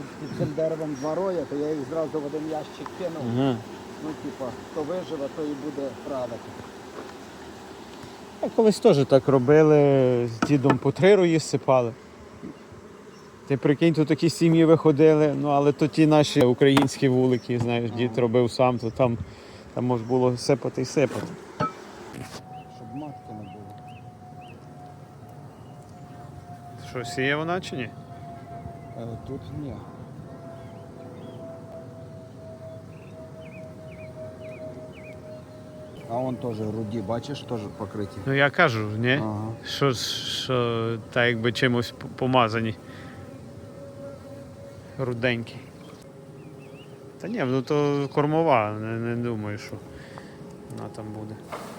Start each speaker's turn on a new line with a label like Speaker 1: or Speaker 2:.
Speaker 1: під цим деревом два роя, то я їх зразу в один ящик кинув.
Speaker 2: Ага.
Speaker 1: Ну, типа, хто виживе, то і буде правити.
Speaker 2: А колись теж так робили, з дідом по 3 рої сипали. Ти прикинь, то такі сім'ї виходили, ну але то ті наші українські вулики, знаєш, дід робив сам, то там можна було сипати і сипати.
Speaker 1: Щоб матки не було.
Speaker 2: Що, сіє вона чи ні?
Speaker 1: Тут ні. А вон теж руді, бачиш, теж покриті.
Speaker 2: Ну я кажу, ні?
Speaker 1: Ага.
Speaker 2: Що так якби чимось помазані. Руденькі. Та ні, ну то кормова, не думаю, що вона там буде.